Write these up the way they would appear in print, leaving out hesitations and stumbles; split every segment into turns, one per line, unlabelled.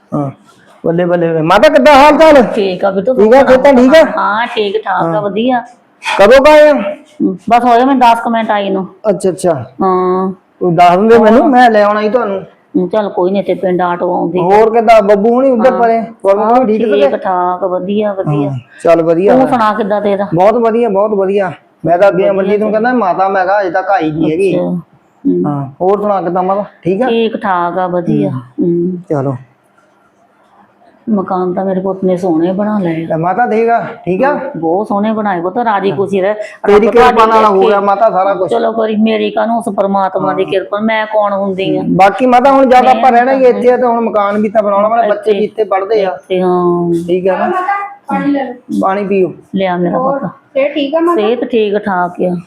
हां बल्ले बल्ले माता कितना हाल चाल?
ठीक है बिट्टू
ठीक है खेता ठीक है?
हाँ ठीक ठाक है वधिया।
कदों का आए?
बस हो गए मैं 10 मिनट आई नु।
अच्छा अच्छा
हाँ
तू दस दे मैनू मैं ले आना ही ਤੁਹਾਨੂੰ।
चल कोई नहीं ते पिंड आटो आउंदी।
ਹੋਰ ਕਿਦਾਂ ਬੱਬੂ ਹੁਣੀ ਉੱਧਰ ਪਰੇ ਹੋਰ ਵੀ ਠੀਕ
ठाक वधिया वधिया।
ਚੱਲ ਵਧੀਆ
ਤੂੰ ਸੁਣਾ ਕਿੱਦਾਂ ਤੇਰਾ?
ਬਹੁਤ ਵਧੀਆ ਮੈਂ ਤਾਂ ਅੱਗੇ ਅਮਰਜੀਤ ਨੂੰ ਕਹਿੰਦਾ ਮਾਤਾ ਮੈਂ ਕਿਹਾ ਅਜੇ ਤੱਕ ਆਈ ਨਹੀਂ ਹੈਗੀ। ਹਾਂ ਹੋਰ ਸੁਣਾ ਕਿੱਦਾਂ ਮਾਤਾ ਠੀਕ ਆ?
ਠੀਕ ਠਾਕ ਆ ਵਧੀਆ।
ਚਲੋ
मकान तो मेरे पुत ने सोने बना लिया।
माता देगा ठीक है
बहुत सोने बनाए वो तो राजी खुशी रहे
तेरी कृपा नाल हो गया माता सारा कुछ।
चलो करी मेरी कानू उस परमात्मा दी कृपा मैं कौन हुंदी हां
बाकी माता हुन ज्यादा पर रहना ही इत्थे ते हुन मकान भी ता बनाउणा वाले बच्चे भी इत्थे पढ़दे आ। हां ठीक है ना पानी ले लो पानी पियो
ले आ मेरा पुत सेहत ठीक है माता सेहत ठीक ठाक है।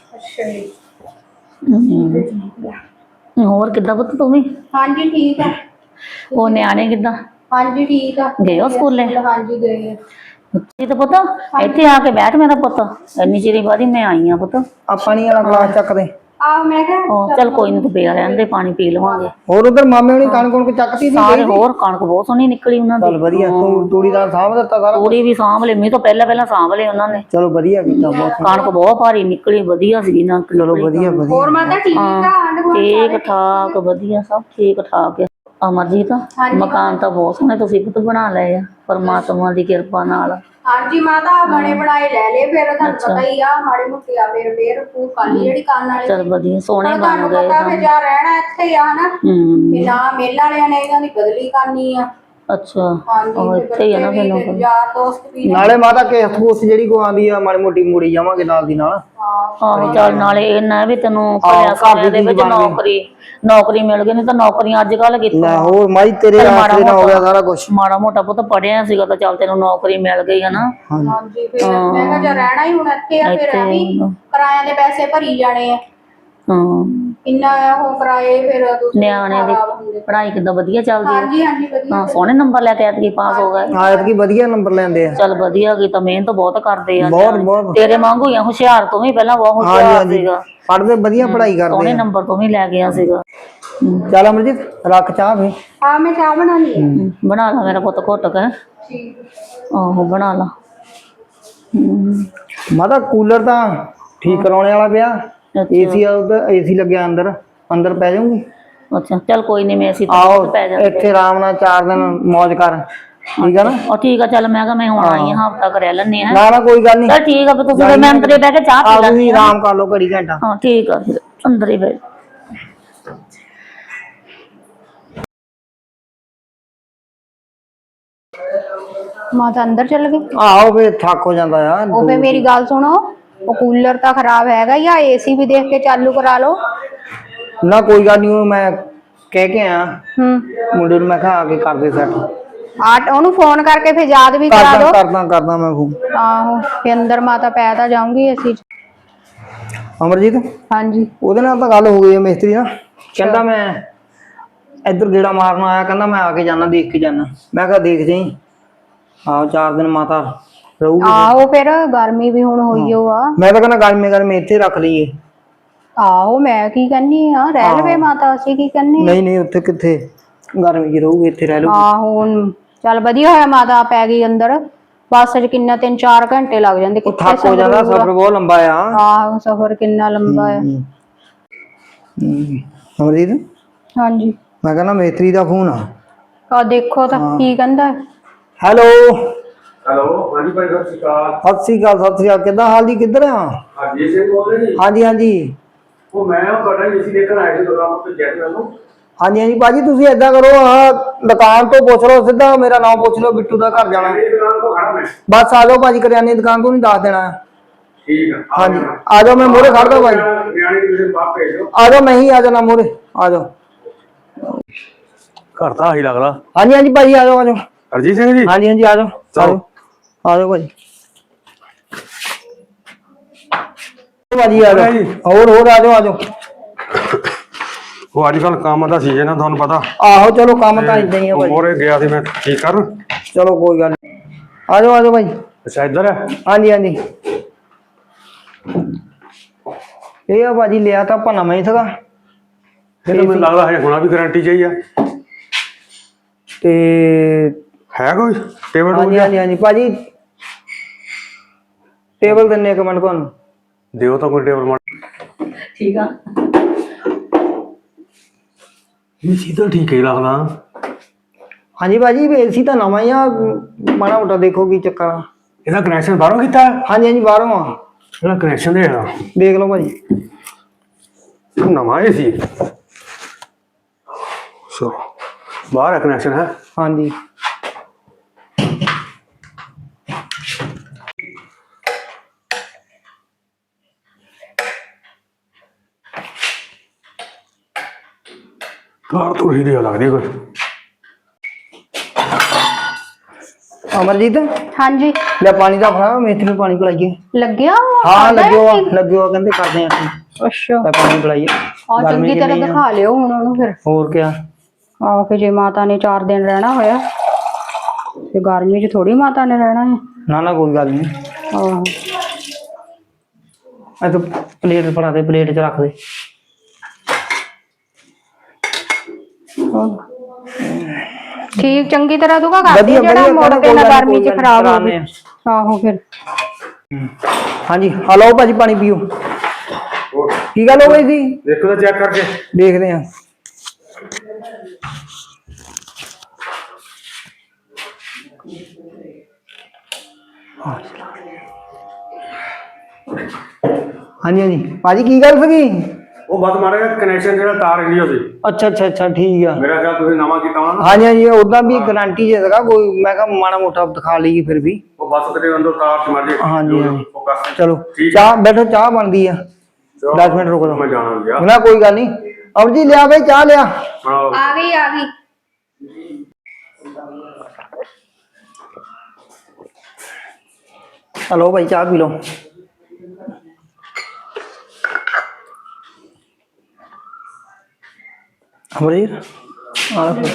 अच्छा और किदा पुत तू भी? हां जी ठीक है। ओ न्याणे किदा? हाँ जी ठीक है गए हो स्कूले? हाँ जी गए जी तो पता इत्थे आके बैठ मेरा पुत इन्नी चिर बाद मैं आई हां पुत
आ पानी वाला गिलास चक दे।
आ मैं कह चल कोई नहीं तू पिया रहन दे पानी पी लवांगे।
और उधर मामे हुनी कणक कुणक चकती सी
सारे और कणक बहुत सोहनी निकली उन्हां दी।
चल बढ़िया तू तूड़ीदार सांभ दित्ता सारा
तूड़ी भी सांभ ले मैं तो पहला सांभ ले उन्हां ने।
चलो बढ़िया कीता बहुत
कणक बहुत भारी निकली वधिया सी ना।
चलो बढ़िया बढ़िया और माता ठीक है
ठीक ठाक वधिया सब ठीक ठाक है। अमरजीत मकान तो बहुत सोहने तुसीं पुत बना लए आ परमात्मा दी किरपा नाल।
हाँ जी माता बने बनाए ले ले फिर थानू पता ही आ माड़ी मुट्टी आ फिर फूल काली जेडी कान वाली
चल वधिया सोहणे बन गए
पता फिर जा रहना इत्थे ही आ ना ते ना मेल वालियां ने इन्हां दी बदली करनी आ।
अच्छा और इत्थे ही है ना फिर
यार दोस्त भी
नाले माता के ठूस जेडी को आंदी आ माड़ी मोटी मुड़ी जावांगे नाल दी नाल।
हां चल नाले इन्ना भी तैनू पढ़िया सारे दे विच नौकरी मिल गई नहीं तो नौकरियां अजकल कित्थों
ना हो माई तेरे आसरे ना हो गया सारा कुछ
माड़ा मोटा पुत पढ़िया सीगा तो चल तैनू नौकरी मिल गई है ना।
हां जी फिर मैं कहा जा रहना ही हुण इत्थे आ फिर अभी किराए दे पैसे भरी जाने आ।
हां
इन्ना हो किराए फिर
ਨਿਆਣੇ ਦੀ ਪੜ੍ਹਾਈ ਕਿੱਦਾਂ ਵਧੀਆ ਚੱਲਦੀ ਹੈ?
हाँ जी हाँ जी बढ़िया
ਹਾਂ ਸੋਹਣੇ ਨੰਬਰ ਲੈ ਕੇ ਐਤਕੀ ਪਾਸ ਹੋ ਗਏ।
ਐਤਕੀ ਵਧੀਆ ਨੰਬਰ ਲੈਂਦੇ ਆ।
ਚੱਲ ਵਧੀਆ ਕੀ ਤਾਂ ਮਿਹਨਤ ਬਹੁਤ ਕਰਦੇ ਆ
ਬਹੁਤ
ਤੇਰੇ ਵਾਂਗੂ ਹੀ ਹੁਸ਼ਿਆਰ ਤੋਂ ਵੀ ਪਹਿਲਾਂ ਬਹੁਤ ਹੁਸ਼ਿਆਰ ਸੀਗਾ
ਪੜ੍ਹਦੇ ਵਧੀਆ ਪੜ੍ਹਾਈ ਕਰਦੇ
ਸੋਹਣੇ ਨੰਬਰ ਤੋਂ ਵੀ ਲੈ ਗਿਆ ਸੀਗਾ।
ਚੱਲ ਅਮਰਜੀਤ ਰੱਖ ਚਾਹ ਫੇ।
हाँ मैं चाह बनानी है
ਬਣਾ ਲਾ ਮੇਰਾ ਪੁੱਤ ਘੁੱਟ ਕੇ
ठीक
ਆਹੋ ਬਣਾ ਲਾ।
ਮਾਤਾ ਕੂਲਰ ਤਾਂ ਠੀਕ ਕਰਾਉਣੇ ਵਾਲਾ ਪਿਆ ਏਸੀ ਏਸੀ ਲੱਗਿਆ ਅੰਦਰ ਅੰਦਰ ਪੈ ਜਾਊਂਗੀ।
ਅੱਛਾ ਚੱਲ ਕੋਈ ਨਹੀਂ ਮੈਂ ਅਸੀਂ
ਆਓ
ਪੈ ਜਾਂਦੇ
ਇੱਥੇ ਆਰਾਮ ਨਾਲ 4 ਦਿਨ ਮौज ਕਰ ਠੀਕ ਆ ਨਾ।
ਉਹ ਠੀਕ ਆ ਚੱਲ ਮੈਂ ਕਿਹਾ ਮੈਂ ਹੁਣ ਆਈ ਹਾਂ ਹਫਤਾ ਕਰਿਆ ਲੈਣੇ ਆ।
ਨਾ ਨਾ ਕੋਈ ਗੱਲ ਨਹੀਂ
ਚੱਲ ਠੀਕ ਆ ਫਿਰ ਤੁਸੀਂ ਮੈਂ ਅੰਦਰੇ ਬਹਿ ਕੇ ਚਾਹ ਪੀ ਲੈਂਦੇ
ਆ ਆਰਾਮ ਕਰ ਲਓ ਘੜੀ ਘੰਟਾ।
ਹਾਂ ਠੀਕ ਆ ਫਿਰ ਅੰਦਰ ਹੀ ਬਹਿ
माता अंदर चल गई।
ਆਹੋ ਫੇ ਥੱਕ ਹੋ ਜਾਂਦਾ ਆ।
वो पे मेरी गल सुनो वो कूलर तो खराब हैगा या एसी भी देख के चालू करा लो।
ਨਾ ਕੋਈ ਗੱਲ ਨਹੀਂ ਮੈਂ ਕਹਿ ਕੇ ਆ ਮੁੰਡੇ ਨੂੰ ਮੈਂ ਕਿਹਾ ਆ ਕੇ ਕਰਦੇ ਸੈੱਟ
आट ओनू फोन करके फिर याद भी करा दो।
करदा मैं फोन
आहो फिर अंदर माता पै ता जाऊंगी एसी
ਅਮਰਜੀਤ
हाँ जी
ਉਹਦੇ ਨਾਲ ਤਾਂ ਗੱਲ ਹੋ ਗਈ ਹੈ ਮਿਸਤਰੀ ਨਾਲ ਕਹਿੰਦਾ ਮੈਂ ਇੱਧਰ ਗੇੜਾ ਮਾਰਨ ਆਇਆ ਕਹਿੰਦਾ ਮੈਂ ਆ ਕੇ ਜਾਣਾ ਦੇਖ ਕੇ ਜਾਣਾ ਮੈਂ ਕਿਹਾ ਦੇਖ ਜਾਈ ਆਹ 4 ਦਿਨ ਮਾਤਾ ਰਹੂਗੀ।
आहो फिर गर्मी भी हुण होई हो आ
मैं तो कहना गर्मी इत्थे रख लईए।
आहो मैं की कहनी हां रह लवे माता असि की कहनी
नहीं नहीं उत्थे किथे गर्मी च रहूगी इत्थे रह लूगी।
आहो हुण चल वधिया होया माता पै गई अंदर बस च किन्ना 3-4 घंटे लग जांदे कित्थे
थक हो जांदा सफर बहुत लंबा आ।
आहो सफर किन्ना लंबा है।
अमरजीत
हां जी
मैं कहना मिस्त्री दा फोन आ
देखो तो की कहंदा
हेलो
हेलो हाँ जी भाई सत श्री अकाल।
सत श्री अकाल किदा हाल जी किधर आ?
हरजीत सिंह बोल रहे जी।
हाँ जी हाँ जी
वो मैं ਤੁਹਾਡਾ ਏਸੀ ਦੇਖਣ ਆਇਆ ਸੀ ਦੁਕਾਨ ਤੋਂ ਚੈੱਕ ਕਰ ਲਓ।
हाँ जी हाँ जी भाजी तुसी ऐदा करो दुकान तो पुछ लो सीधा मेरा नाम पुछ लो बिट्टू दा घर जाना
दुकान तो खड़ा मैं।
बस आ जाओ भाजी करियाने दुकान तो नहीं दस देना।
ठीक है
हाँ जी आ जाओ मैं मोरे खड़ दो भाई
नियाने की तुम बाप भेज दो।
आ जाओ मैं ही आ जाना मोरे आ जाओ।
घर ਤਾਂ ਆਹੀ ਲੱਗਦਾ।
हाँ जी भाजी आ जाओ
हरजीत सिंह जी।
हाँ जी आ जाओ आ जाओ भाजी भाजी आ जाओ और आ जाओ
ਉਹ ਅੱਜ ਕੱਲ ਕੰਮ ਦਾ ਸੀਜ਼ਨ ਆ ਤੁਹਾਨੂੰ ਪਤਾ।
आहो चलो काम तो इदा ही है भाई
ਮੋਰੇ ਗਿਆ ਸੀ ਮੈਂ ਠੀਕ ਕਰ।
चलो कोई गल आ जाओ भाई।
ਅੱਛਾ ਇੱਧਰ ਹੈ।
हाँ जी ये भाजी लिया था अपना नवा ही था
ਮੈਨੂੰ ਲੱਗਦਾ ਹੈ ਹੁਣਾ ਵੀ ਗਾਰੰਟੀ ਚਾਹੀਏ।
ਤੇ
ਹੈ ਕੋਈ ਟੇਬਲ
ਹਾਂਜੀ ਹਾਂਜੀ ਹਾਂਜੀ ਭਾਜੀ ਟੇਬਲ ਦਿੰਨੇ ਇੱਕ ਮਿੰਟ ਤੁਹਾਨੂੰ
ਦਿਓ ਤਾਂ ਕੋਈ ਟੇਬਲ
ਠੀਕ ਆ।
ਇਹ ਚੀਜ਼ਾਂ ਠੀਕ ਹੀ ਲੱਗਦਾ।
ਹਾਂਜੀ ਭਾਜੀ ਏਸੀ ਤਾਂ ਨਵਾਂ ਹੀ ਆ ਮਾੜਾ ਮੋਟਾ ਦੇਖੋ ਕੀ ਚੱਕਰ ਆ।
ਇਹਦਾ ਕਨੈਕਸ਼ਨ ਬਾਹਰੋਂ ਕੀਤਾ?
ਹਾਂਜੀ ਹਾਂਜੀ ਬਾਹਰੋਂ ਆ।
ਇਹਦਾ ਕਨੈਕਸ਼ਨ ਦੇ ਆ
ਦੇਖ ਲਓ ਭਾਜੀ
ਨਵਾਂ ਇਹ ਸੀ। ਸੋ ਬਾਹਰ ਕਨੈਕਸ਼ਨ ਹੈ।
ਹਾਂਜੀ
ਕਾਰ ਤੋਂ ਹੀ ਦੇ ਲੱਗਦੀ ਕੋਈ।
ਅਮਰਜੀਤ
ਹਾਂਜੀ
ਲੈ ਪਾਣੀ ਦਾ ਫੜਾ ਮੇਥੀ ਨੂੰ ਪਾਣੀ ਪਿਲਾਈਏ।
ਲੱਗਿਆ
ਹਾਂ ਲੱਗਿਓ ਕਹਿੰਦੇ ਕਰਦੇ ਆ ਅਸੀਂ।
ਅੱਛਾ
ਲੈ ਪਾਣੀ ਪਿਲਾਈਏ
ਆ ਚੰਗੀ ਤਰ੍ਹਾਂ ਦਿਖਾ ਲਿਓ ਹੁਣ ਉਹਨੂੰ ਫਿਰ।
ਹੋਰ ਕਿਆ
ਆਹ ਫਿਰ ਜੇ ਮਾਤਾ ਨੇ 4 ਦਿਨ ਰਹਿਣਾ ਹੋਇਆ ਤੇ ਗਰਮੀ 'ਚ ਥੋੜੀ ਮਾਤਾ ਨੇ ਰਹਿਣਾ ਹੈ।
ਨਾ ਨਾ ਕੋਈ ਗੱਲ ਨਹੀਂ।
ਆਹੋ
ਆ ਤੂੰ ਪਲੇਟ ਫੜਾ ਦੇ ਪਲੇਟ 'ਚ ਰੱਖ ਦੇ।
ਠੀਕ ਚੰਗੀ ਤਰ੍ਹਾਂ ਤੂੰ ਕਰ
ਵਧੀਆ
ਜਿਹੜਾ ਮੁੜ ਕੇ ਨਾ ਗਰਮੀ 'ਚ ਖਰਾਬ ਹੋ
ਗਏ।
ਆਹੋ ਫਿਰ
ਹਾਂਜੀ ਆ ਲਓ ਭਾਜੀ ਪਾਣੀ ਪੀਓ। ਕੀ ਗੱਲ ਹੋ ਗਈ ਸੀ?
ਦੇਖੋ ਤਾਂ ਚੈੱਕ ਕਰਕੇ
ਦੇਖਦੇ ਆ। ਹਾਂਜੀ ਹਾਂਜੀ ਭਾਜੀ ਕੀ ਗੱਲ ਸੀਗੀ?
ਉਹ ਬਸ ਮਾੜਾ ਕਨੈਕਸ਼ਨ ਜਿਹੜਾ ਤਾਰ ਹਿੱਲੀ ਹੋਈ।
ਅੱਛਾ ਅੱਛਾ ਅੱਛਾ ਠੀਕ ਆ।
ਮੇਰਾ ਖਿਆਲ ਤੁਸੀਂ ਨਵਾਂ ਕੀਤਾ ਹੋਣਾ ਨਾ।
ਹਾਂਜੀ ਹਾਂਜੀ ਉਦਾਂ ਵੀ ਗਾਰੰਟੀ ਜੇ ਸੀਗਾ ਕੋਈ ਮੈਂ ਕਿਹਾ ਮਾੜਾ ਮੋਟਾ ਦਿਖਾ ਲਈਏ ਫਿਰ ਵੀ।
ਉਹ ਬਸ ਕਿਤੇ ਅੰਦਰ ਤਾਰ ਸਮਝ ਜੇ।
ਹਾਂਜੀ ਹਾਂਜੀ
ਫੋਕਸ
ਚਲੋ
ਠੀਕ
ਚਾਹ ਬੈਠੋ ਚਾਹ ਬਣਦੀ ਆ 10 ਮਿੰਟ ਰੁਕ
ਮੈਂ
ਲਓ।
ਜਾਣਾ ਗਿਆ
ਨਾ ਕੋਈ ਗੱਲ ਨਹੀਂ ਅਬ ਜੀ ਲਿਆ ਬਈ ਚਾਹ ਲਿਆ।
ਆ ਗਈ
ਹਲੋ ਭਾਈ ਚਾਹ ਪੀ ਲਓ। ਅਮਰੀਰ ਆ ਲਓ।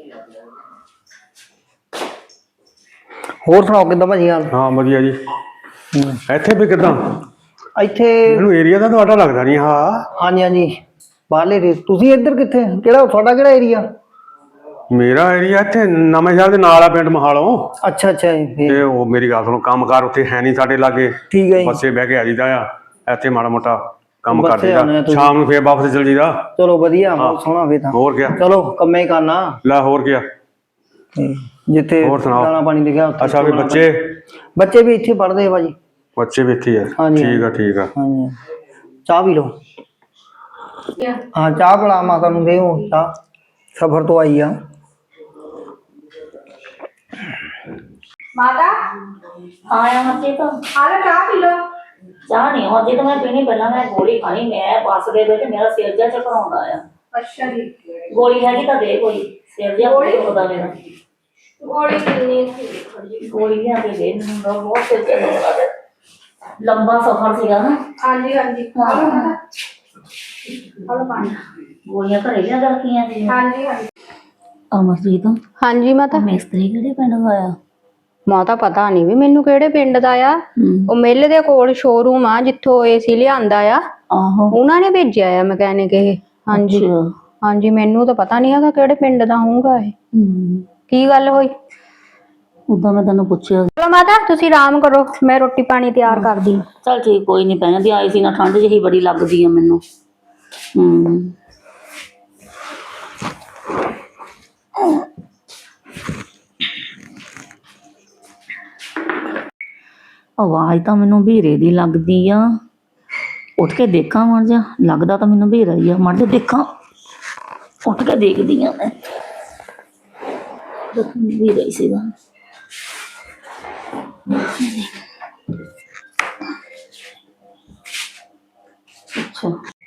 ਹੋਰ ਸੁਣਾਓ ਕਿੱਦਾਂ ਭਾਜੀ ਹਾਲ?
ਹਾਂ ਵਧੀਆ ਜੀ। ਇੱਥੇ ਵੀ ਕਿੱਦਾਂ?
ਇੱਥੇ
ਮੈਨੂੰ ਏਰੀਆ ਦਾ ਤੁਹਾਡਾ ਲੱਗਦਾ ਨਹੀਂ। ਹਾਂ
ਹਾਂਜੀ ਹਾਂਜੀ ਬਾਹਰਲੇ ਤੁਸੀਂ ਇੱਧਰ ਕਿੱਥੇ ਕਿਹੜਾ ਤੁਹਾਡਾ ਕਿਹੜਾ ਏਰੀਆ?
ਮੇਰਾ ਏਰੀਆ ਇੱਥੇ ਨਵੇਂ ਸ਼ਹਿਰ ਦੇ ਨਾਲ ਆ ਪਿੰਡ ਮਹਾਲੋਂ।
ਅੱਛਾ ਅੱਛਾ ਜੀ ਫਿਰ
ਤੇ ਉਹ ਮੇਰੀ ਗੱਲ ਸੁਣੋ ਕੰਮਕਾਰ ਉੱਥੇ ਹੈ ਨਹੀਂ ਸਾਡੇ ਲਾਗੇ।
ਠੀਕ ਹੈ ਜੀ।
ਬੱਸੇ ਬਹਿ ਕੇ ਆ ਜੀਦਾ ਆ ਇੱਥੇ ਮਾੜਾ ਮੋਟਾ ਕੰਮ ਕਰ
ਬੱਸੇ ਆਉਣੇ ਆ
ਜੀਦਾ
ਤੁਸੀਂ।
ਸ਼ਾਮ ਨੂੰ ਫੇਰ ਵਾਪਸ ਚਲ ਜੀਦਾ।
ਚਲੋ ਵਧੀਆ ਬਹੁਤ ਸੋਹਣਾ ਫੇਰ ਤਾਂ।
ਹੋਰ ਕਿਆ
ਚਲੋ ਕੰਮੇ ਹੀ ਕਰਨਾ
ਲੈ ਹੋਰ ਕਿਆ।
ਜਿੱਥੇ
ਹੋਰ ਸੁਣਾਓ?
ਦਾਣਾ ਪਾਣੀ ਲਿਖਿਆ ਉੱਥੇ
ਅੱਛਾ ਵੀ
ਬੱਚੇ ਵੀ ਇੱਥੇ ਪੜ੍ਹਦੇ ਆ ਭਾਜੀ।
ਬੱਚੇ ਵੀ ਇੱਥੇ ਆ।
ਹਾਂਜੀ,
ਠੀਕ ਆ ਠੀਕ ਆ।
ਹਾਂਜੀ ਚਾਹ ਪੀ ਲਓ। ਹਾਂ ਚਾਹ ਬਣਾ ਮਾਤਾ ਨੂੰ ਦੇ ਚਾਹ ਸਫਰ ਤੋਂ ਆਈ ਆ।
ਮਾਤਾ
ਹਾਂ ਅਮਰਜੀਤ
ਆ ਲੈ ਚਾਹ ਪੀ ਲਓ।
ਚਾਹ ਨਹੀਂ ਅਮਰਜੀਤ ਮੈਂ ਪੀਣੀ ਪਹਿਲਾਂ ਮੈਂ ਗੋਲੀ ਖਾਣੀ ਮੈਂ ਬੱਸ ਦੇ ਵਿੱਚ ਮੇਰਾ ਸਿਰ ਜਿਹਾ ਝਕਰਾਉਂਦਾ ਆ।
ਅੱਛਾ ਜੀ
ਗੋਲੀ ਹੈਗੀ ਤਾਂ ਦੇ ਕੋਈ ਸਿਰ ਜਿਹਾ ਦੁਖਦਾ ਮੇਰਾ।
ਗੋਲੀ ਕਿੰਨੀ ਸੀ?
ਗੋਲੀ ਲਿਆ ਕੇ ਦੇ ਮੈਨੂੰ ਬਹੁਤ ਸਿਰ ਝਕਰਾਉਂਦਾ। ਲੰਬਾ ਸਫ਼ਰ ਸੀਗਾ ਨਾ।
ਹਾਂਜੀ ਹਾਂਜੀ ਹਲੋ ਪਾਣੀ।
ਗੋਲੀਆਂ ਘਰੇ ਲਿਆ ਰੱਖੀਆਂ ਸੀ।
ਹਾਂਜੀ ਹਾਂਜੀ
ਅਮਰਜੀਤ
ਹਾਂਜੀ ਮਾਤਾ
ਮਿਸਤਰੀ ਕਿਹੜੇ ਪਿੰਡ ਦਾ ਆ?
ਮਾਤਾ ਪਤਾ ਨਹੀਂ ਵੀ ਮੈਨੂੰ ਕਿਹੜੇ ਪਿੰਡ ਦਾ ਆ। ਉਹ ਮੇਲੇ ਦੇ ਕੋਲ ਸ਼ੋਰੂਮ ਆ ਜਿੱਥੋਂ ਏਸੀ ਲਿਆਂਦਾ ਆ।
ਆਹੋ
ਉਹਨਾਂ ਨੇ ਭੇਜਿਆ ਆ ਮਕੈਨਿਕ ਇਹ। ਹਾਂਜੀ ਹਾਂਜੀ ਮੈਨੂੰ ਤਾਂ ਪਤਾ ਨਹੀਂ ਹੈਗਾ ਕਿਹੜੇ ਪਿੰਡ ਦਾ ਹੋਊਗਾ ਇਹ। ਕੀ ਗੱਲ ਹੋਈ?
ਉਦਾਂ ਮੈਂ ਤੈਨੂੰ ਪੁੱਛਿਆ।
ਚਲੋ ਮਾਤਾ ਤੁਸੀਂ ਆਰਾਮ ਕਰੋ ਮੈਂ ਰੋਟੀ ਪਾਣੀ ਤਿਆਰ ਕਰਦੀ।
ਚਲ ਠੀਕ ਕੋਈ ਨਹੀਂ ਪੈ ਜਾਂਦੀ ਆਈ ਸੀ ਨਾ ਠੰਡ ਜਿਹੀ ਬੜੀ ਲੱਗਦੀ ਆ ਮੈਨੂੰ। ਆਵਾਜ਼ ਤਾਂ ਮੈਨੂੰ ਵੀਰੇ ਦੀ ਲੱਗਦੀ ਆ। ਉੱਠ ਕੇ ਦੇਖਾਂ ਮਰ ਜਾ ਲੱਗਦਾ ਤਾਂ ਮੈਨੂੰ ਵੀਰਾ ਹੀ ਆ। ਮਰ ਜਾ ਦੇਖਾਂ ਉੱਠ ਕੇ ਦੇਖਦੀ ਆ ਮੈਂ। ਵੀਰਾ ਹੀ ਸੀਗਾ। ਅੱਛਾ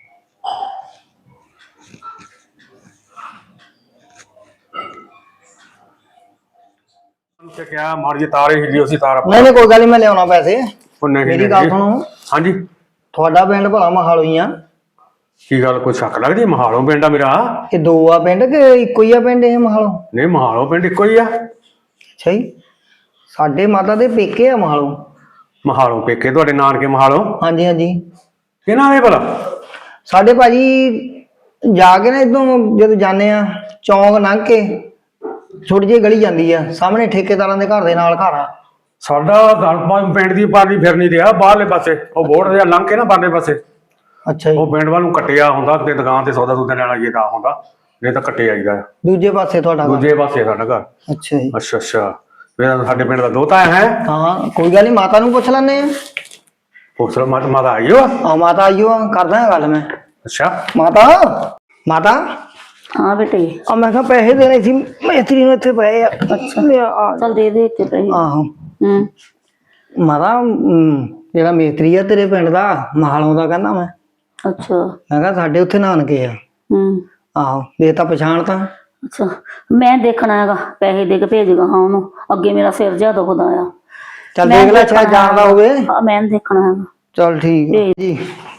ਤੇ ਕਿਹਾ ਮਾਰ ਜੀ ਤਾਰ ਹਿੱਲੀ ਉਸੇ ਤਾਰ
ਨਹੀਂ ਨਹੀਂ ਕੋਈ ਗੱਲ ਨਹੀਂ ਮੈਂ ਲਿਆਉਣਾ ਪੈਸੇ।
ਉਹ ਨਹੀਂ
ਮੇਰੀ ਗੱਲ ਸੁਣੋ
ਹਾਂਜੀ
ਤੁਹਾਡਾ ਪਿੰਡ ਭਲਾ ਮਹਾਲੋ ਹੀ ਆ।
ਕੀ ਗੱਲ ਕੋਈ ਸ਼ੱਕ ਲੱਗਦੀ? ਮਹਾਲੋਂ ਪਿੰਡ ਆ ਮੇਰਾ।
ਇਹ ਦੋ ਆ ਪਿੰਡ ਕਿ ਇੱਕੋ ਹੀ ਆ ਪਿੰਡ ਇਹ ਮਹਾਲੋ?
ਨਹੀਂ ਮਹਾਲੋਂ ਪਿੰਡ ਇੱਕੋ ਹੀ ਆ।
ਅੱਛਾ ਜੀ ਸਾਡੇ ਮਾਤਾ ਦੇ ਪੇਕੇ ਆ ਮਹਾਲੋ।
ਮਹਾਲੋਂ ਪੇਕੇ ਤੁਹਾਡੇ ਨਾਨਕੇ ਮਹਾਲੋਂ?
ਹਾਂਜੀ ਹਾਂਜੀ
ਕਿਹਨਾਂ ਦੇ ਭਲਾ?
ਸਾਡੇ ਭਾਜੀ ਜਾ ਕੇ ਨਾ ਇਦੋਂ ਜਦੋਂ ਜਾਂਦੇ ਆ ਚੌਂਕ ਲੰਘ ਕੇ ਛੋਟੀ ਜਿਹੀ ਗਲੀ ਜਾਂਦੀ ਆ ਸਾਹਮਣੇ ਠੇਕੇਦਾਰਾਂ ਦੇ ਘਰ ਦੇ ਨਾਲ ਘਰ ਆ।
ਸਾਡਾ ਘਰ ਪਿੰਡ ਦੀ ਪਾਰਟੀ ਫਿਰ ਨਹੀਂ ਰਿਹਾ ਬਾਹਰਲੇ ਪਾਸੇ ਉਹ ਬੋਰਡ ਜਿਹਾ ਲੰਘ ਕੇ ਨਾ ਬਾਹਰਲੇ ਪਾਸੇ
ਅੱਛਾ ਜੀ।
ਉਹ ਪਿੰਡ ਵੱਲ ਨੂੰ ਕੱਟਿਆ ਹੁੰਦਾ ਤੇ ਦੁਕਾਨ ਤੇ ਸੌਦਾ ਸੂਦਾ ਲੈਣਾ ਜੇ ਤਾਂ ਹੁੰਦਾ ਨਹੀਂ ਤਾਂ ਕੱਟੇ ਆਈਦਾ ਆ।
ਦੂਜੇ ਪਾਸੇ ਤੁਹਾਡਾ ਘਰ?
ਦੂਜੇ ਪਾਸੇ ਸਾਡਾ ਘਰ।
ਅੱਛਾ ਜੀ।
ਅੱਛਾ ਅੱਛਾ ਫਿਰ ਸਾਡੇ ਪਿੰਡ ਦਾ ਦੋਤਾ ਹੈ।
ਹਾਂ ਕੋਈ ਗੱਲ ਨਹੀਂ, ਮਾਤਾ ਨੂੰ ਪੁੱਛ ਲੈਂਦੇ ਆ।
ਪੁੱਛ ਲਓ ਮਾਤਾ ਆਈ ਹੋ।
ਆ ਮਾਤਾ ਆਈਓ, ਕਰਦਾ ਹਾਂ ਗੱਲ ਮੈਂ।
ਅੱਛਾ
ਮਾਤਾ ਮਾਤਾ
ਹਾਂ ਬੇਟੇ।
ਆ ਮੈਂ ਕਿਹਾ ਪੈਸੇ ਦੇਣੇ ਸੀ ਮਿਸਤਰੀ ਨੂੰ, ਇੱਥੇ ਪਏ ਆ। ਅੱਛਾ
ਚਲ ਦੇ ਦੇ ਇੱਥੇ ਪੈਸੇ।
ਆਹੋ ਮਾਤਾ ਜਿਹੜਾ ਮਿਸਤਰੀ ਆ ਤੇਰੇ ਪਿੰਡ ਦਾ ਮਹਾਲੋਂ ਦਾ, ਕਹਿੰਦਾ ਮੈਂ ਕਿਹਾ ਸਾਡੇ ਉੱਥੇ ਨਾਨਕੇ ਆ। ਆਹੋ ਦੇ ਤਾਂ ਪਛਾਣ ਤਾਂ।
ਅੱਛਾ ਮੈਂ ਦੇਖਣਾ ਹੈਗਾ, ਪੈਸੇ ਦੇ ਕੇ ਭੇਜਗਾ ਹਾਂ ਉਹਨੂੰ, ਅੱਗੇ ਮੇਰਾ ਸਿਰ ਜਿਹਾ ਦੁਖਦਾ ਆ।
ਚੱਲ ਦੇਖ ਲੈ, ਸ਼ਾਇਦ ਜਾਣਦਾ ਹੋਵੇ।
ਹਾਂ ਮੈਂ ਦੇਖਣਾ ਹੈਗਾ।
ਚਲ ਠੀਕ ਹੈ ਜੀ।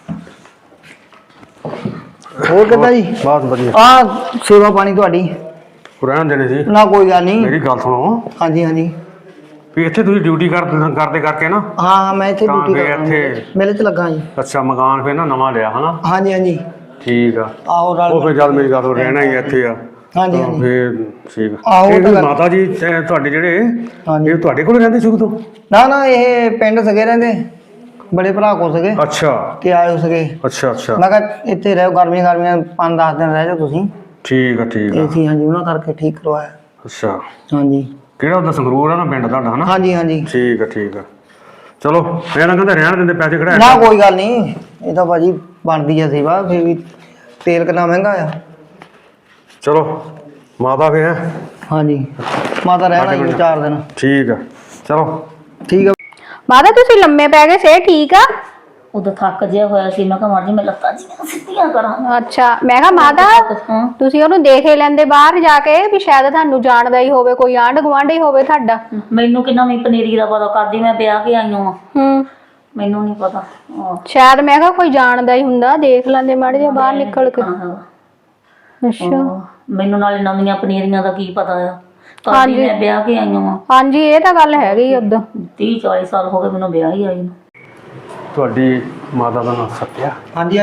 ਹੋਰ ਕਿੱਦਾਂ ਜੀ?
ਬਹੁਤ ਵਧੀਆ।
ਆ ਸੇਵਾ ਪਾਣੀ ਤੁਹਾਡੀ
ਰਹਿਣ ਦੇਣੇ ਸੀ
ਨਾ, ਕੋਈ ਗੱਲ ਨਹੀਂ।
ਮੇਰੀ ਗੱਲ ਸੁਣੋ।
ਹਾਂਜੀ ਹਾਂਜੀ।
ਵੀ ਇੱਥੇ ਤੁਸੀਂ ਡਿਊਟੀ ਕਰਦੇ ਕਰਕੇ ਨਾ।
ਹਾਂ ਮੈਂ ਇੱਥੇ ਡਿਊਟੀ ਕਰਦਾ,
ਇੱਥੇ
ਮੇਲੇ 'ਚ ਲੱਗਾ ਜੀ।
ਅੱਛਾ ਮਕਾਨ ਫਿਰ ਨਾ ਨਵਾਂ ਲਿਆ ਹਨਾ?
ਹਾਂਜੀ ਹਾਂਜੀ।
ਠੀਕ ਆ।
ਆਹੋ
ਉਹ ਫਿਰ ਜਦ ਮੇਰੀ ਗੱਲ ਰਹਿਣਾ ਹੀ ਇੱਥੇ ਆ।
ਹਾਂਜੀ ਹਾਂਜੀ।
ਫਿਰ ਠੀਕ ਆ।
ਆਹੋ
ਇਹ ਮਾਤਾ ਜੀ ਤੁਹਾਡੇ ਜਿਹੜੇ ਇਹ ਤੁਹਾਡੇ ਕੋਲ ਰਹਿੰਦੇ ਸ਼ੁਰੂ ਤੋਂ?
ਨਾ ਨਾ ਇਹ ਪਿੰਡ ਸਗੇ ਰਹਿੰਦੇ, ਬੜੇ ਭਰਾ ਕੋਲ ਸਗੇ
ਅੱਛਾ
ਤੇ ਆਏ ਸਗੇ।
ਅੱਛਾ ਅੱਛਾ।
ਮੈਂ ਕਿਹਾ ਇੱਥੇ ਰਹੋ, ਗਰਮੀਆਂ 5-10 ਦਿਨ ਰਹਿ ਜਾਓ ਤੁਸੀਂ।
ਠੀਕ ਆ ਠੀਕ ਆ।
ਅਸੀਂ ਹਾਂਜੀ ਉਹਨਾਂ ਕਰਕੇ ਠੀਕ ਕਰਵਾਇਆ।
ਅੱਛਾ
ਹਾਂਜੀ।
ਕਿਹੜਾ ਉਹਦਾ ਸੰਗਰੂਰ ਆ ਨਾ ਪਿੰਡ ਤੁਹਾਡਾ ਹਨਾ?
ਹਾਂਜੀ ਹਾਂਜੀ।
ਠੀਕ ਆ ਠੀਕ ਆ। ਚਲੋ ਮੈਂ ਨਾ ਕਹਿੰਦਾ ਰਹਿਣ ਦਿੰਦੇ, ਪੈਸੇ ਕਢਾਇਆ
ਨਾ ਕੋਈ ਗੱਲ ਨਹੀਂ, ਇਹ ਤਾਂ ਭਾਜੀ ਬਣਦੀ ਆ ਸੇਵਾ, ਫਿਰ ਵੀ ਤੇਲ ਕਿੰਨਾ ਮਹਿੰਗਾ ਆ।
ਚਲੋ ਮਾਤਾ ਫਿਰ ਹੈ।
ਹਾਂਜੀ ਮਾਤਾ ਰਹਿਣਾ ਜੀ 4 ਦਿਨ।
ਠੀਕ ਆ ਚਲੋ
ਠੀਕ ਆ।
ਮਾਤਾ ਤੁਸੀਂ ਲੰਮੇ ਪੈ ਗਏ, ਸੇ ਠੀਕ ਆ?
ਉਦੋਂ ਥੱਕ ਜਿਹਾ ਹੋਇਆ ਸੀ, ਮੈਂ ਕਿਹਾ ਮਰ ਜੀ ਮੈਂ ਲੱਤਾਂ ਜਿਹੀਆਂ ਸਿੱਧੀਆਂ ਕਰਾਂ।
ਅੱਛਾ ਮੈਂ ਕਿਹਾ ਮਾਤਾ ਤੁਸੀਂ ਉਹਨੂੰ ਦੇਖ ਹੀ ਲੈਂਦੇ ਬਾਹਰ ਜਾ ਕੇ, ਵੀ ਸ਼ਾਇਦ ਤੁਹਾਨੂੰ ਜਾਣਦਾ ਹੀ ਹੋਵੇ, ਕੋਈ ਆਂਢ ਗੁਆਂਢ ਹੀ ਹੋਵੇ ਤੁਹਾਡਾ।
ਮੈਨੂੰ ਕਿੰਨਾ ਵੀ ਪਨੀਰੀ ਦਾ ਪਤਾ ਕਰਦੀ, ਮੈਂ ਵਿਆਹ ਕੇ ਆਈ ਹਾਂ। ਮੈਨੂੰ ਨਹੀਂ ਪਤਾ।
ਸ਼ਾਇਦ ਮੈਂ ਕਿਹਾ ਕੋਈ ਜਾਣਦਾ ਹੀ ਹੁੰਦਾ, ਦੇਖ ਲੈਂਦੇ ਮਾੜੇ ਜਿਹਾ ਬਾਹਰ ਨਿਕਲ ਕੇ। ਅੱਛਾ
ਮੈਨੂੰ ਨਾਲੇ ਨਵੀਆਂ ਪਨੀਰੀਆਂ ਦਾ ਕੀ ਪਤਾ ਆ। ਹਾਂਜੀ ਮੈਂ ਵਿਆਹ ਕੇ ਆਈ ਹਾਂ।
ਹਾਂਜੀ ਇਹ ਤਾਂ ਗੱਲ ਹੈਗੀ ਉਦੋਂ।
30-40 ਸਾਲ ਹੋ ਗਏ ਮੈਨੂੰ ਵਿਆਹ ਹੀ ਆਈ ਨੂੰ।
ਤੁਹਾਡੀ ਮਾਤਾ ਦਾ ਨਾਮ ਸੱਤਿਆ?
ਹਾਂਜੀ।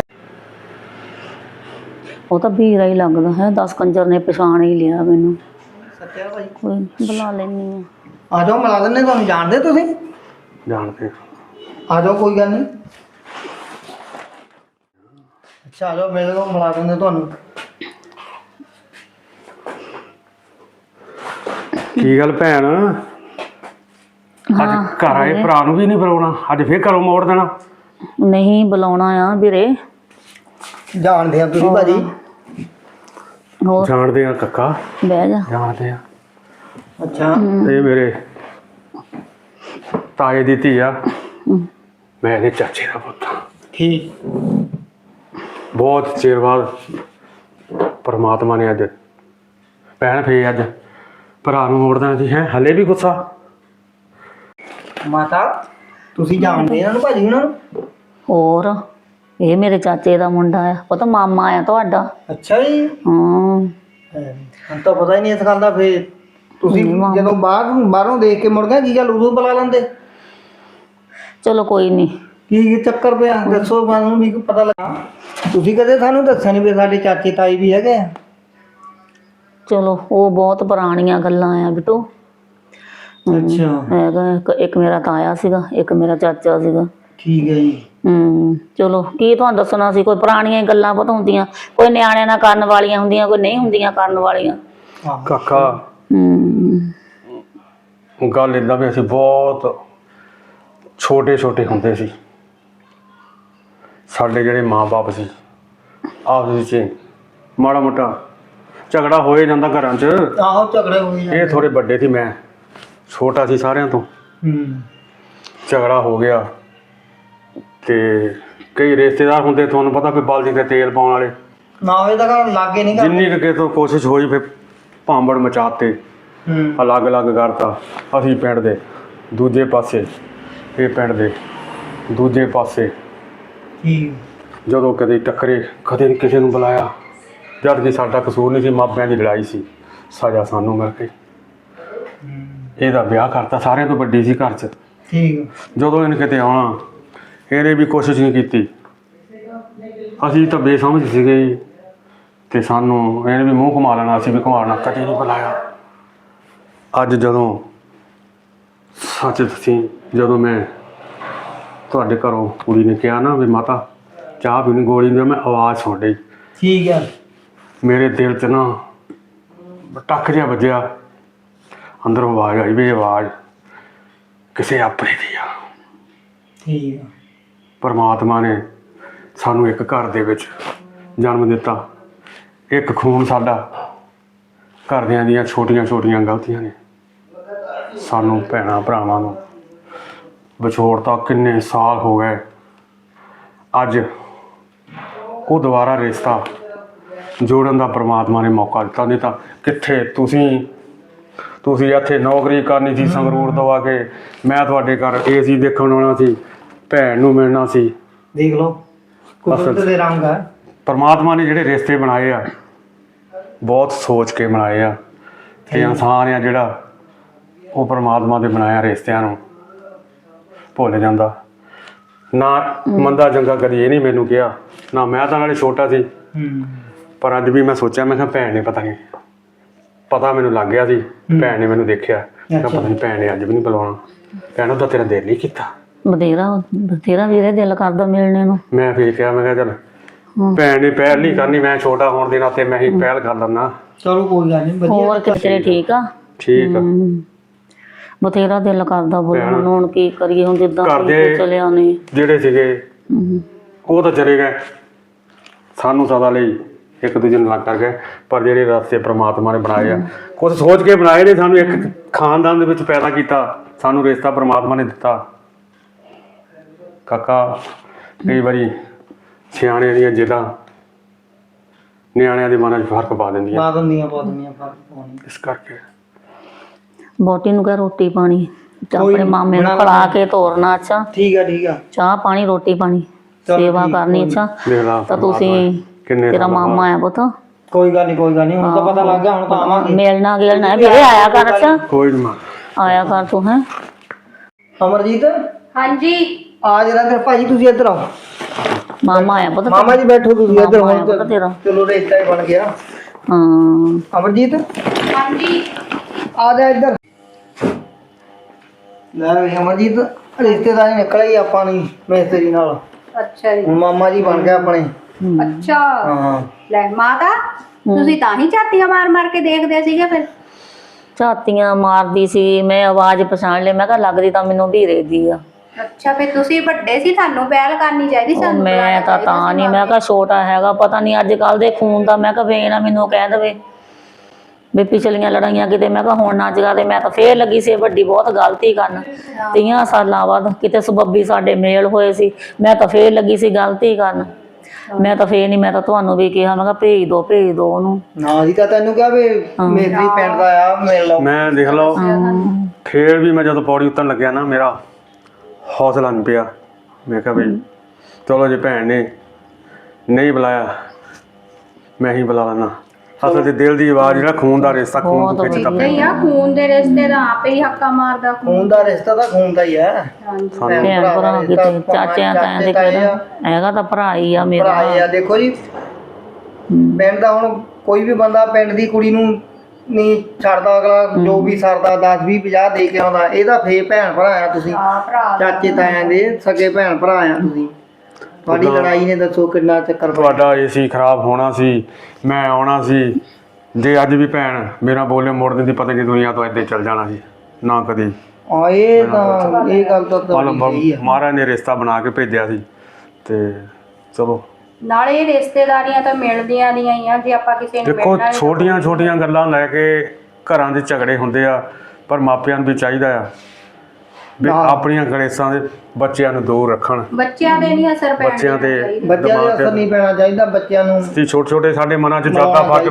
ਉਹ ਤਾਂ ਵੀਰਾ ਹੀ ਲੱਗਦਾ ਹੈ, 10 ਕੰਜਰ ਨੇ ਪਛਾਣ ਹੀ ਲਿਆ ਮੈਨੂੰ।
ਸੱਤਿਆ ਭਾਈ
ਕੋਈ ਨੀ, ਬੁਲਾ ਲੈਣੀ ਆ।
ਆ ਜਾਓ ਮਿਲਾ ਦਿੰਦੇ, ਤੁਹਾਨੂੰ ਜਾਣਦੇ ਤੁਸੀਂ?
ਜਾਣਦੇ।
ਆ ਜਾਓ ਕੋਈ ਗੱਲ ਨਹੀਂ। ਅੱਛਾ ਆ ਜਾਓ, ਮੇਰੇ ਕੋਲ ਮਿਲਾ ਦਿੰਦੇ ਤੁਹਾਨੂੰ।
ਕੀ ਗੱਲ ਭੈਣ, ਅੱਜ ਘਰ ਆਏ ਭਰਾ ਨੂੰ ਵੀ ਨਹੀਂ ਬੁਲਾਉਣਾ? ਅੱਜ ਫੇਰ ਘਰੋਂ ਮੋੜ ਦੇਣਾ?
ਨਹੀਂ ਬੁਲਾਉਣਾ ਆ ਵੀਰੇ।
ਜਾਣਦੇ ਆ ਤੁਸੀਂ ਭਾਜੀ?
ਹੋਰ
ਜਾਣਦੇ ਆ ਕੱਕਾ,
ਬਹਿ ਜਾ।
ਜਾਣਦੇ ਆ।
ਅੱਛਾ
ਇਹ ਮੇਰੇ ਤਾਏ ਦੀ ਧੀ ਆ, ਮੈਂ ਇਹਦੇ ਚਾਚੇ ਦਾ ਪੁੱਤ।
ਠੀਕ।
ਬਹੁਤ ਚਿਰ ਬਾਅਦ ਪਰਮਾਤਮਾ ਨੇ ਅੱਜ ਭੈਣ ਫੇਰ ਅੱਜ ਭਰਾ ਨੂੰ ਮੋੜਦਾ ਸੀ। ਹੈ ਹਲੇ ਵੀ ਗੁੱਸਾ?
ਮਾਤਾ ਤੁਸੀਂ ਜਾਣਦੇ ਇਹਨਾਂ ਨੂੰ ਭਾਜੀ ਉਹਨਾਂ ਨੂੰ?
ਹੋਰ ਇਹ ਮੇਰੇ ਚਾਚੇ ਦਾ ਮੁੰਡਾ ਆ, ਉਹ ਤਾਂ ਮਾਮਾ ਆ ਤੁਹਾਡਾ।
ਅੱਛਾ ਜੀ।
ਹਾਂ
ਹੁਣ ਤਾਂ ਪਤਾ ਹੀ ਨਹੀਂ ਇਸ ਗੱਲ ਦਾ। ਫੇਰ ਤੁਸੀਂ ਜਦੋਂ ਬਾਹਰੋਂ ਦੇਖ ਕੇ ਮੁੜ ਗਏ, ਕੀ ਗੱਲ ਉਦੋਂ ਬੁਲਾ ਲੈਂਦੇ?
ਚਲੋ ਕੋਈ ਨਹੀਂ।
ਕੀ ਚੱਕਰ ਪਿਆ ਦੱਸੋ, ਮੈਨੂੰ ਵੀ ਪਤਾ ਲੱਗਾ। ਤੁਸੀਂ ਕਦੇ ਸਾਨੂੰ ਦੱਸਿਆ ਨਹੀਂ ਵੀ ਸਾਡੇ ਚਾਚੇ ਤਾਈ ਵੀ ਹੈਗੇ ਆ?
ਚਲੋ ਉਹ ਬਹੁਤ ਪੁਰਾਣੀਆਂ ਗੱਲਾਂ ਆ ਬਿੱਟੂ।
ਅੱਛਾ
ਹੈਗਾ ਇੱਕ ਮੇਰਾ ਤਾਇਆ ਸੀਗਾ, ਇੱਕ ਮੇਰਾ ਚਾਚਾ ਸੀਗਾ।
ਠੀਕ ਹੈ ਜੀ।
ਚਲੋ ਕੀ ਤੁਹਾਨੂੰ ਦੱਸਣਾ ਸੀ, ਕੋਈ ਪੁਰਾਣੀਆਂ ਗੱਲਾਂ ਪਤਾ ਹੁੰਦੀਆਂ, ਕੋਈ ਨਿਆਣਿਆਂ ਨਾਲ ਕਰਨ ਵਾਲੀਆਂ ਹੁੰਦੀਆਂ, ਕੋਈ ਨਹੀਂ ਹੁੰਦੀਆਂ ਕਰਨ ਵਾਲੀਆਂ।
ਕਾਕਾ ਗੱਲ ਏਦਾਂ ਵੀ ਅਸੀਂ ਬਹੁਤ ਛੋਟੇ ਹੁੰਦੇ ਸੀ, ਸਾਡੇ ਜਿਹੜੇ ਮਾਂ-ਬਾਪ ਸੀ ਆਪਸ ਵਿੱਚ ਮਾੜਾ ਮੋਟਾ ਝਗੜਾ ਹੋਏ ਜਾਂਦਾ ਘਰਾਂ 'ਚ।
ਆਹੋ ਝਗੜੇ ਹੋਏ
ਇਹ ਥੋੜੇ ਵੱਡੇ ਸੀ, ਮੈਂ ਛੋਟਾ ਸੀ ਸਾਰਿਆਂ ਤੋਂ। ਝਗੜਾ ਹੋ ਗਿਆ ਤੇ ਕਈ ਰਿਸ਼ਤੇਦਾਰ ਹੁੰਦੇ, ਤੁਹਾਨੂੰ ਪਤਾ ਵੀ ਬਲਦੀ ਤੇ ਤੇਲ ਪਾਉਣ ਵਾਲੇ
ਨਾ ਹੋਏ ਤਾਂ ਘਰ ਲਾਗੇ ਨਹੀਂ
ਜਿੰਨੀ ਕੁ ਤੋਂ ਕੋਸ਼ਿਸ਼ ਹੋਈ ਫਿਰ ਭਾਂਬੜ ਮਚਾਤੇ, ਅਲੱਗ ਕਰਤਾ। ਅਸੀਂ ਪਿੰਡ ਦੇ ਦੂਜੇ ਪਾਸੇ, ਇਹ ਪਿੰਡ ਦੇ ਦੂਜੇ ਪਾਸੇ। ਜਦੋਂ ਕਦੇ ਟੱਕਰੇ, ਕਦੇ ਨਹੀਂ ਕਿਸੇ ਨੂੰ ਬੁਲਾਇਆ, ਜਦ ਕਿ ਸਾਡਾ ਕਸੂਰ ਨਹੀਂ ਸੀ, ਮਾਪਿਆਂ ਦੀ ਲੜਾਈ ਸੀ, ਸਜ਼ਾ ਸਾਨੂੰ ਮਿਲ ਗਈ। ਇਹਦਾ ਵਿਆਹ ਕਰਤਾ, ਸਾਰਿਆਂ ਤੋਂ ਵੱਡੀ ਸੀ ਘਰ 'ਚ। ਜਦੋਂ ਇਹਨੇ ਕਿਤੇ ਆਉਣਾ, ਇਹਨੇ ਵੀ ਕੋਸ਼ਿਸ਼ ਨਹੀਂ ਕੀਤੀ। ਅਸੀਂ ਤਾਂ ਬੇਸਮਝ ਸੀਗੇ ਤੇ ਸਾਨੂੰ ਇਹਨੇ ਵੀ ਮੂੰਹ ਘੁਮਾ ਲੈਣਾ, ਅਸੀਂ ਵੀ ਘੁਮਾਉਣਾ, ਕਦੇ ਨਹੀਂ ਬੁਲਾਇਆ। ਅੱਜ ਜਦੋਂ ਸੱਚ ਦੱਸੀ, ਜਦੋਂ ਮੈਂ ਤੁਹਾਡੇ ਘਰੋਂ ਕੁੜੀ ਨੇ ਕਿਹਾ ਨਾ ਵੀ ਮਾਤਾ ਚਾਹ ਪੀਣੀ ਗੋਲੀ ਦੀ, ਮੈਂ ਆਵਾਜ਼ ਸੁਣ ਲਈ।
ਠੀਕ ਆ।
ਮੇਰੇ ਦਿਲ 'ਚ ਨਾ ਟੱਕ ਜਿਹਾ ਵੱਜਿਆ, ਅੰਦਰੋਂ ਆਵਾਜ਼ ਆਈ ਵੀ ਇਹ ਆਵਾਜ਼ ਕਿਸੇ ਆਪਣੇ ਦੀ ਆ।
ਠੀਕ ਆ।
ਪਰਮਾਤਮਾ ਨੇ ਸਾਨੂੰ ਇੱਕ ਘਰ ਦੇ ਵਿੱਚ ਜਨਮ ਦਿੱਤਾ। ਇੱਕ ਖੂਨ ਸਾਡਾ, ਘਰਦਿਆਂ ਦੀਆਂ ਛੋਟੀਆਂ ਛੋਟੀਆਂ ਗਲਤੀਆਂ ਨੇ ਸਾਨੂੰ ਭੈਣਾਂ ਭਰਾਵਾਂ ਨੂੰ ਵਿਛੋੜਤਾ। ਕਿੰਨੇ ਸਾਲ ਹੋ ਗਏ। ਅੱਜ ਉਹ ਦੁਬਾਰਾ ਰਿਸ਼ਤਾ ਜੋੜਨ ਦਾ ਪਰਮਾਤਮਾ ਨੇ ਮੌਕਾ ਦਿੱਤਾ। ਨਹੀਂ ਤਾਂ ਕਿੱਥੇ ਤੁਸੀਂ ਇੱਥੇ ਨੌਕਰੀ ਕਰਨੀ ਸੀ ਸੰਗਰੂਰ ਤੋਂ ਆ ਕੇ, ਮੈਂ ਤੁਹਾਡੇ ਘਰ AC ਦੇਖਣ ਆਉਣਾ ਸੀ, ਭੈਣ ਨੂੰ ਮਿਲਣਾ ਸੀ।
ਦੇਖ ਲਓ ਕੁਦਰਤ ਦੇ ਰੰਗ ਆ।
ਪਰਮਾਤਮਾ ਨੇ ਜਿਹੜੇ ਰਿਸ਼ਤੇ ਬਣਾਏ ਆ ਬਹੁਤ ਸੋਚ ਕੇ ਬਣਾਏ ਆ। ਤੇ ਇਨਸਾਨ ਆ ਜਿਹੜਾ ਉਹ ਪਰਮਾਤਮਾ ਦੇ ਬਣਾਇਆ ਰਿਸ਼ਤਿਆਂ ਨੂੰ ਭੁੱਲ ਜਾਂਦਾ। ਨਾ ਮੰਦਾ ਚੰਗਾ ਕਦੀ ਇਹ ਨਹੀਂ ਮੈਨੂੰ ਕਿਹਾ, ਨਾ ਮੈਂ ਤਾਂ ਨਾਲੇ ਛੋਟਾ ਸੀ। ਪਰ ਅੱਜ ਵੀ ਮੈਂ ਸੋਚਿਆ, ਮੈਂ ਕਿਹਾ ਭੈਣ ਨੇ ਪਤਾ ਮੈਨੂੰ ਲੱਗ ਗਿਆ ਸੀ। ਭੈਣ ਨੇ ਮੈਨੂੰ ਦੇਖਿਆ, ਮੈਂ ਕਿਹਾ ਪਤਾ ਨਹੀਂ ਭੈਣ ਨੇ ਅੱਜ ਵੀ ਨਹੀਂ ਬੁਲਾਉਣਾ। ਭੈਣ ਉਹਦਾ ਤੇਰਾ ਦਿਲ ਨਹੀਂ ਕੀਤਾ?
ਬਥੇਰਾ ਵੀਰੇ ਦਿਲ ਕਰਦਾ ਮਿਲਣੇ ਨੂੰ।
ਮੈਂ ਫਿਰ ਕਿਹਾ, ਮੈਂ ਕਿਹਾ ਚੱਲ ਭੈਣ ਨੇ ਪਹਿਲ ਨਹੀਂ ਕਰਨੀ, ਮੈਂ ਛੋਟਾ ਹੋਣ ਦੇ ਨਾਤੇ ਮੈਂ ਹੀ ਪਹਿਲ ਕਰ ਲੈਂਦਾ।
ਚਲੋ ਕੋਈ ਗੱਲ ਨਹੀਂ।
ਹੋਰ ਕਿਤੇ ਠੀਕ ਆ?
ਠੀਕ ਆ।
ਬਥੇਰਾ ਦਿਲ ਕਰਦਾ ਬੋਲਣ ਨੂੰ। ਹੁਣ ਕੀ ਕਰੀਏ, ਹੁਣ ਜਿੱਦਾਂ ਚਲਿਆ ਨੇ
ਜਿਹੜੇ ਸੀਗੇ ਉਹ ਤਾਂ ਚਲੇ ਗਏ, ਸਾਨੂੰ ਸਦਾ ਲਈ ਇੱਕ ਦੂਜੇ ਨੂੰ ਲੱਗ ਕਰ ਗਏ। ਪਰ ਜਿਹੜੇ ਰਸਤੇ ਪ੍ਰਮਾਤਮਾ ਨੇ ਬਣਾਏ ਆ, ਕੁਛ ਸੋਚ ਕੇ ਬਣਾਏ ਨੇ। ਸਾਨੂੰ ਇੱਕ ਖਾਨਦਾਨ ਦੇ ਵਿੱਚ ਪੈਦਾ ਕੀਤਾ, ਸਾਨੂੰ ਰਿਸ਼ਤਾ ਪ੍ਰਮਾਤਮਾ ਨੇ ਦਿੱਤਾ। ਕਾਕਾ ਕਈ ਵਾਰੀ ਸਿਆਣਿਆਂ ਦੀਆਂ ਜਿੱਦਾਂ ਨਿਆਣਿਆਂ ਦੇ ਮਨਾਂ 'ਚ ਫਰਕ ਪਾ ਦਿੰਦੀਆਂ ਫਰਕ ਪਾਉਣੀ। ਇਸ ਕਰਕੇ
ਬੋਟੀ ਨੂੰ ਕਹਿ ਰੋਟੀ ਪਾਣੀ, ਆਪਣੇ ਮਾਮੇ ਨੂੰ ਖਿਲਾ ਕੇ ਤੋਰਨਾ। ਅੱਛਾ
ਠੀਕ ਆ। ਠੀਕ ਆ।
ਚਾਹ ਪਾਣੀ ਰੋਟੀ ਪਾਣੀ ਸੇਵਾ ਕਰਨੀ। ਅੱਛਾ ਤਾਂ ਤੁਸੀਂ ਤੇਰਾ ਮਾਮਾ ਆ ਪੁੱਤ।
ਕੋਈ ਗੱਲ ਨਹੀਂ ਕੋਈ ਗੱਲ ਨਹੀਂ, ਹੁਣ ਤਾਂ ਪਤਾ ਲੱਗ ਗਿਆ। ਹੁਣ ਤਾਂ ਆਵਾਂਗੇ,
ਮਿਲਣਾ ਗਿਲਣਾ ਵੀਰੇ, ਆਇਆ ਕਰ। ਅੱਛਾ
ਕੋਈ ਨਹੀਂ
ਆਇਆ ਕਰ ਤੂੰ। ਹੈ
ਅਮਰਜੀਤ।
ਹਾਂਜੀ
ਆ ਜਰਾ ਫਿਰ ਭਾਜੀ ਤੁਸੀਂ ਇੱਧਰ ਆਓ।
ਮਾਮਾ ਆਇਆ ਪੁੱਤ।
ਮਾਮਾ ਜੀ ਬੈਠੋ ਤੁਸੀਂ ਇੱਧਰ।
ਮਾਮਾ ਆਇਆ
ਹੁਣ
ਪੁੱਤ ਤੇਰਾ।
ਚਲੋ ਰਿਸ਼ਤਾ ਹੀ ਬਣ ਗਿਆ।
ਹਾਂ
ਅਮਰਜੀਤ
ਹਾਂਜੀ
ਆ ਜਾ ਇੱਧਰ। ਲੈ ਵੀ ਅਮਰਜੀਤ, ਰਿਸ਼ਤੇਦਾਰੀ ਨਿਕਲ ਗਈ ਆਪਾਂ ਨੂੰ ਮਿਸਤਰੀ ਨਾਲ।
ਅੱਛਾ ਜੀ।
ਹੁਣ ਮਾਮਾ ਜੀ ਬਣ ਗਏ ਆਪਣੇ।
ਅੱਛਾ
ਹਾਂ।
ਲੈ ਮਾਤਾ, ਤੁਸੀਂ ਤਾਂ ਹੀ ਝਾਤੀਆਂ ਮਾਰ ਮਾਰ ਕੇ ਦੇਖਦੇ ਸੀਗੇ ਫਿਰ?
ਝਾਤੀਆਂ ਮਾਰਦੀ ਸੀ ਮੈਂ, ਆਵਾਜ਼ ਪਛਾਣ ਲਈ। ਮੈਂ ਕਿਹਾ ਲੱਗਦੀ ਤਾਂ ਮੈਨੂੰ ਵੀਰੇ ਦੀ ਆ।
ਅੱਛਾ ਫਿਰ ਤੁਸੀਂ ਵੱਡੇ ਸੀ, ਤੁਹਾਨੂੰ ਪਹਿਲ ਕਰਨੀ ਚਾਹੀਦੀ ਸਾਨੂੰ।
ਮੈਂ ਤਾਂ ਨਹੀਂ, ਮੈਂ ਕਿਹਾ ਛੋਟਾ ਹੈਗਾ, ਪਤਾ ਨਹੀਂ ਅੱਜ ਕੱਲ ਦੇ ਖੂਨ ਦਾ। ਮੈਂ ਕਿਹਾ ਵੇ ਨਾ ਮੈਨੂੰ ਕਹਿ ਦੇਵੇ ਵੀ ਪਿਛਲੀਆਂ ਲੜਾਈਆਂ ਕਿਤੇ। ਮੈਂ ਕਿਹਾ ਹੁਣ ਨਾ ਜਗਾ ਤੇ ਮੈਂ ਤਾਂ ਫੇਰ ਲੱਗੀ ਸੀ ਵੱਡੀ ਬਹੁਤ ਗਲਤੀ ਕਰਨ। 30 ਸਾਲਾਂ ਬਾਅਦ ਕਿਤੇ ਸਬੱਬੀ ਸਾਡੇ ਮੇਲ ਹੋਏ ਸੀ, ਮੈਂ ਤਾਂ ਫੇਰ ਲੱਗੀ ਸੀ ਗਲਤੀ ਕਰਨ। ਮੈਂ ਤਾਂ ਫੇਰ ਨਹੀਂ, ਮੈਂ ਤਾਂ ਤੁਹਾਨੂੰ ਵੀ ਕਿਹਾ, ਮੈਂ ਕਿਹਾ ਭੇਜ ਦੋ ਉਹਨੂੰ।
ਨਾ ਜੀ ਤਾਂ ਤੈਨੂੰ ਕਿਹਾ ਵੀ ਮੇਰੀ ਪਿੰਡ ਦਾ ਆ, ਮਿਲ ਲਓ।
ਮੈਂ ਦੇਖ ਲਓ ਫੇਰ ਵੀ ਮੈਂ ਜਦੋਂ ਪੌੜੀ ਉਤਰਨ ਲੱਗਿਆ ਨਾ, ਮੇਰਾ ਹੌਸਲਾ ਨਹੀਂ ਪਿਆ। ਮੈਂ ਕਿਹਾ ਵੀ ਚਲੋ ਜੇ ਭੈਣ ਨੇ ਨਹੀਂ ਬੁਲਾਇਆ ਮੈਂ ਹੀ ਬੁਲਾ ਲੈਣਾ। ਅਸਲ 'ਚ ਦਿਲ ਦੀ ਆਵਾਜ਼, ਜਿਹੜਾ ਖੂਨ ਦਾ ਰਿਸ਼ਤਾ, ਖੂਨ ਤੋਂ ਖਿੱਚਦਾ
ਨਹੀਂ ਆ। ਖੂਨ ਦੇ ਰਿਸ਼ਤੇ ਦਾ ਆਪੇ ਹੀ ਹੱਕਾ ਮਾਰਦਾ।
ਖੂਨ ਦਾ ਰਿਸ਼ਤਾ ਤਾਂ ਖੂਨ ਦਾ ਹੀ ਹੈ।
ਭੈਣ ਭਰਾ ਕਿਤੇ ਚਾਚਿਆਂ ਤਾਇਆਂ ਦੇ ਕਿਹੜਾ ਹੈਗਾ, ਤਾਂ ਭਰਾ ਹੀ ਆ ਮੇਰਾ।
ਭਰਾ ਆ। ਦੇਖੋ ਜੀ ਪਿੰਡ ਦਾ, ਹੁਣ ਕੋਈ ਵੀ ਬੰਦਾ ਪਿੰਡ ਦੀ ਕੁੜੀ ਨੂੰ ਨਹੀਂ ਛੱਡਦਾ। ਅਗਲਾ ਜੋ ਵੀ ਸਰਦਾ 10 20 50 ਦੇ ਕੇ ਆਉਂਦਾ। ਇਹਦਾ ਫੇਰ ਭੈਣ ਭਰਾ ਆ ਤੁਸੀਂ, ਚਾਚੇ ਤਾਇਆਂ ਦੇ ਸਕੇ ਭੈਣ ਭਰਾ ਆ ਤੁਸੀਂ। ਤੁਹਾਡੀ ਲੜਾਈ ਨੇ ਦੱਸੋ ਕਿੰਨਾ ਚੱਕਰ।
ਤੁਹਾਡਾ AC ਖਰਾਬ ਹੋਣਾ ਸੀ, ਮੈਂ ਆਉਣਾ ਸੀ। ਜੇ ਅੱਜ ਵੀ ਭੈਣ ਮੇਰਾ ਬੋਲੇ ਮੋੜ ਦਿੰਦੀ, ਪਤਾ ਨਹੀਂ ਦੁਨੀਆ ਤੋਂ ਇੱਦਾਂ ਚੱਲ ਜਾਣਾ ਸੀ ਨਾ ਕਦੀ।
ਇਹ ਗੱਲ ਤਾਂ
ਮਹਾਰਾਜ ਨੇ ਰਿਸ਼ਤਾ ਬਣਾ ਕੇ ਭੇਜਿਆ ਸੀ। ਤੇ ਚਲੋ
ਨਾਲੇ ਰਿਸ਼ਤੇਦਾਰੀਆਂ ਤਾਂ ਮਿਲਦੀਆਂ ਦੀਆਂ ਹੀ ਆ। ਜੇ ਆਪਾਂ ਕਿਸੇ ਨੂੰ
ਦੇਖੋ ਛੋਟੀਆਂ ਛੋਟੀਆਂ ਗੱਲਾਂ ਲੈ ਕੇ ਘਰਾਂ ਦੇ ਝਗੜੇ ਹੁੰਦੇ ਆ। ਪਰ ਮਾਪਿਆਂ ਨੂੰ ਵੀ ਚਾਹੀਦਾ ਆ ਵੀ ਆਪਣੀਆਂ ਗਣੇਸ਼ਾਂ ਦੇ ਬੱਚਿਆਂ ਨੂੰ ਦੂਰ ਰੱਖਣ।
ਬੱਚਿਆਂ ਦੇ ਨਹੀਂ ਅਸਰ ਪੈਣਾ,
ਬੱਚਿਆਂ ਦੇ
ਅਸਰ ਨਹੀਂ ਪੈਣਾ ਚਾਹੀਦਾ। ਬੱਚਿਆਂ ਨੂੰ
ਛੋਟੇ ਛੋਟੇ ਸਾਡੇ ਮਨਾਂ 'ਚ ਜ਼ਿਆਦਾ ਫਰਕ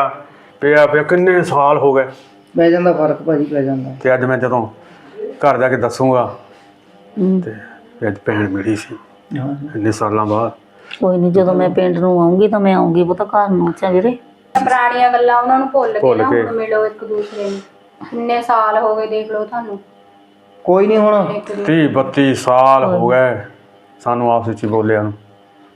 ਪਿਆ ਕਿੰਨੇ ਸਾਲ ਹੋ ਗਏ।
ਪੈ ਜਾਂਦਾ ਫਰਕ ਭਾਜੀ, ਪੈ ਜਾਂਦਾ।
ਤੇ ਅੱਜ ਮੈਂ ਜਦੋਂ ਘਰ ਜਾ ਕੇ ਦੱਸੂਗਾ ਤੇ ਅੱਜ ਭੈਣ ਮਿਲੀ ਸੀ ਇੰਨੇ ਸਾਲਾਂ ਬਾਅਦ।
ਕੋਈ ਨਹੀਂ, ਜਦੋਂ ਮੈਂ ਪਿੰਡ ਨੂੰ ਆਉਂਗੀ ਤਾਂ ਮੈਂ ਆਉਂਗੀ ਪੁੱਤ ਘਰ ਨੂੰ। ਅੱਛਾ ਵੀਰੇ,
ਪੁਰਾਣੀਆਂ ਗੱਲਾਂ ਉਹਨਾਂ ਨੂੰ ਭੁੱਲ ਕੇ ਨਾ ਹੁਣ ਮਿਲੋ ਇੱਕ ਦੂਸਰੇ ਨੂੰ। ਕਿੰਨੇ ਸਾਲ ਹੋ ਗਏ ਦੇਖ ਲਓ ਤੁਹਾਨੂੰ।
ਕੋਈ ਨਹੀਂ, ਹੁਣ
30 32 ਸਾਲ ਹੋ ਗਏ ਸਾਨੂੰ ਆਪਸ ਵਿੱਚ ਬੋਲਿਆ ਨੂੰ।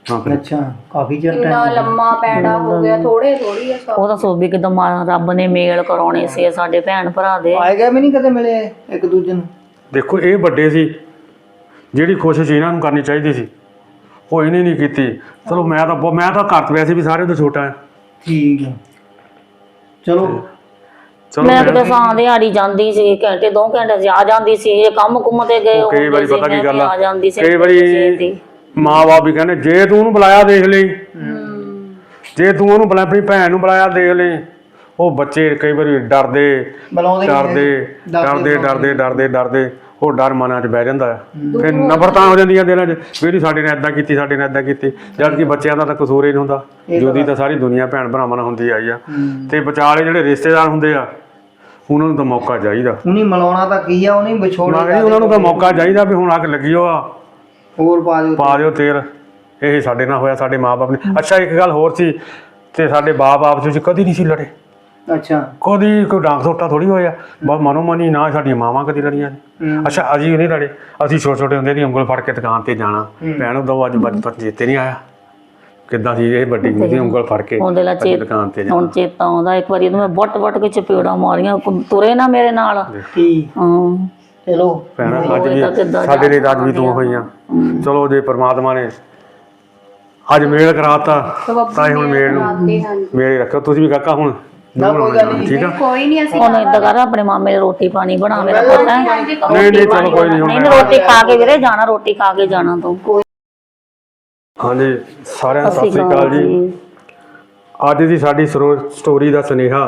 ਹਾਂ ਫਿਰ
ਅੱਛਾ ਕਾਫੀ ਚਿਰ
ਕਿੰਨਾ
ਟਾਈਮ
ਲੰਮਾ ਪੈੜਾ ਹੋ ਗਿਆ, ਥੋੜੇ ਥੋੜੀ ਆ ਸਭ।
ਉਹ ਤਾਂ ਸੋਭੀ ਕਿਦਾਂ ਰੱਬ ਨੇ ਮੇਲ ਕਰਾਉਣੇ ਸੀ ਸਾਡੇ ਭੈਣ ਭਰਾ ਦੇ।
ਆਏ ਗਏ ਵੀ ਨਹੀਂ ਕਦੇ ਮਿਲੇ ਇੱਕ ਦੂਜੇ ਨੂੰ?
ਦੇਖੋ ਇਹ ਵੱਡੇ ਸੀ, ਜਿਹੜੀ ਕੋਸ਼ਿਸ਼ ਇਹਨਾਂ ਨੂੰ ਕਰਨੀ ਚਾਹੀਦੀ ਸੀ ਉਹ ਇਹਨੇ ਨਹੀਂ ਕੀਤੀ। ਚਲੋ ਮੈਂ ਤਾਂ ਘਰ ਤੋਂ ਵੈਸੇ ਵੀ ਸਾਰਿਆਂ ਤੋਂ ਛੋਟਾ ਹਾਂ।
ਠੀਕ ਹੈ, ਚਲੋ
ਚਲੋ
ਮੈਂ ਕਿਤੇ ਸਾਂ ਦਿਹਾੜੀ ਜਾਂਦੀ ਸੀ, ਘੰਟੇ 2 ਘੰਟੇ ਚ ਆ ਜਾਂਦੀ ਸੀ। ਇਹ ਕੰਮ ਕੁੰਮ ਤੇ ਗਏ
ਕਈ ਵਾਰੀ
ਹੁੰਦੇ ਸੀ,
ਪਤਾ ਕੀ
ਮੈਂ
ਗੱਲ
ਵੀ
ਆ,
ਆ ਜਾਂਦੀ ਸੀ
ਕਈ ਵਾਰੀ ਮਾਂ-ਬਾਪ ਵੀ ਕਹਿੰਦੇ ਜੇ ਤੂੰ ਉਹਨੂੰ ਬੁਲਾਇਆ ਦੇਖ ਲਈ, ਜੇ ਤੂੰ ਉਹਨੂੰ ਬੁਲਾਇਆ ਆਪਣੀ ਭੈਣ ਨੂੰ ਬੁਲਾਇਆ ਦੇਖ ਲਈ। ਉਹ ਬੱਚੇ ਕਈ ਵਾਰੀ ਡਰਦੇ
ਬੁਲਾਉਂਦੇ ਨੀ
ਡਰਦੇ ਡਰਦੇ ਉਹ ਡਰ ਮਨਾਂ 'ਚ ਬਹਿ ਜਾਂਦਾ ਹੈ। ਫਿਰ ਨਫ਼ਰਤਾਂ ਹੋ ਜਾਂਦੀਆਂ ਦਿਲਾਂ 'ਚ ਵੀ ਇਹਦੀ ਸਾਡੇ ਨੇ ਇੱਦਾਂ ਕੀਤੀ, ਸਾਡੇ ਨੇ ਇੱਦਾਂ ਕੀਤੀ, ਜਦ ਕਿ ਬੱਚਿਆਂ ਦਾ ਤਾਂ ਕਸੂਰ ਹੀ ਨਹੀਂ ਹੁੰਦਾ। ਜੁਦੀ ਤਾਂ ਸਾਰੀ ਦੁਨੀਆ ਭੈਣ ਭਰਾਵਾਂ ਨਾਲ ਹੁੰਦੀ ਆਈ ਆ। ਤੇ ਵਿਚਾਲੇ ਜਿਹੜੇ ਰਿਸ਼ਤੇਦਾਰ ਹੁੰਦੇ ਆ ਉਹਨਾਂ ਨੂੰ ਤਾਂ ਮੌਕਾ ਚਾਹੀਦਾ।
ਉਹਨੇ ਮਿਲਾਉਣਾ ਤਾਂ ਕੀ ਆ, ਉਹਨੇ ਵਿਛੋੜਨਾ
ਮੈਂ ਉਹਨਾਂ ਨੂੰ ਤਾਂ ਮੌਕਾ ਚਾਹੀਦਾ ਵੀ ਹੁਣ ਅੱਗ ਲੱਗੀ ਹੋ ਆ,
ਹੋਰ ਪਾ ਦਿਓ
ਤੇਲ। ਇਹ ਸਾਡੇ ਨਾਲ ਹੋਇਆ, ਸਾਡੇ ਮਾਂ-ਬਾਪ ਨੇ। ਅੱਛਾ ਇੱਕ ਗੱਲ ਹੋਰ ਸੀ, ਤੇ ਸਾਡੇ ਬਾਪ ਆਪਸ ਵਿੱਚ ਕਦੀ ਨਹੀਂ ਸੀ ਲੜੇ।
ਅੱਛਾ
ਕਦੀ ਕੋਈ ਡਾਂਗ ਸੋਟਾ ਥੋੜੀ ਹੋਇਆ, ਬਸ ਮਨੋ ਮਨੀ ਨਾ ਸਾਡੀਆਂ ਮਾਵਾਂ ਕਦੀ ਲੜੀਆਂ ਨੇ। ਅੱਛਾ ਅਸੀਂ ਨਹੀਂ ਲੜੇ, ਅਸੀਂ ਛੋਟੇ ਹੁੰਦੇ ਦੀ ਉਂਗਲ ਫੜ ਕੇ ਦੁਕਾਨ ਤੇ ਜਾਣਾ, ਭੈਣ ਦੋ ਅੱਜ ਬਚਪਨ ਚੇਤੇ ਨਹੀਂ ਆਇਆ ਕਿੱਦਾਂ ਸੀ ਇਹ ਵੱਡੀ ਦੀ ਉਂਗਲ ਫੜ ਕੇ ਦੁਕਾਨ ਤੇ ਜਾਣਾ।
ਹੁਣ ਚੇਤਾ ਆਉਂਦਾ ਇੱਕ ਵਾਰੀ ਮੈਂ ਵੱਟ ਕੇ ਚਪੇੜਾਂ ਮਾਰੀਆਂ, ਤੁਰੇ ਨਾ ਮੇਰੇ ਨਾਲ।
ਠੀਕ,
ਹਾਂ
ਚਲੋ
ਭੈਣ ਅੱਜ ਵੀ ਸਾਡੇ ਲਈ ਅੱਜ ਵੀ ਤੂੰ ਹੋਈਆਂ। ਚਲੋ ਜੇ ਪ੍ਰਮਾਤਮਾ ਨੇ ਅੱਜ ਮੇਲ ਕਰਾਤਾ ਤਾਂ ਹੁਣ ਮੇਲ ਨੂੰ ਮੇਲ ਰੱਖੋ। ਤੁਸੀਂ ਵੀ ਕਾਕਾ ਹੁਣ
ਨਾ ਕੋਈ ਗੱਲ ਨਹੀਂ,
ਠੀਕ ਆ।
ਕੋਈ ਨਹੀਂ, ਅਸੀਂ
ਹੁਣ ਏਦਾਂ ਕਰ ਆਪਣੇ ਮਾਮੇ ਰੋਟੀ ਪਾਣੀ ਬਣਾ, ਮੇਰਾ ਪੁੱਤ ਹੈ।
ਨਹੀਂ ਚਲੋ ਕੋਈ ਨਹੀਂ।
ਨਹੀਂ ਰੋਟੀ ਖਾ ਕੇ ਵੀਰੇ ਜਾਣਾ, ਰੋਟੀ ਖਾ ਕੇ ਜਾਣਾ ਤੂੰ।
ਹਾਂਜੀ ਸਾਰਿਆਂ ਨੂੰ ਸਤਿ ਸ੍ਰੀ ਅਕਾਲ ਜੀ। ਅੱਜ ਦੀ ਸਾਡੀ ਸਟੋਰੀ ਦਾ ਸੁਨੇਹਾ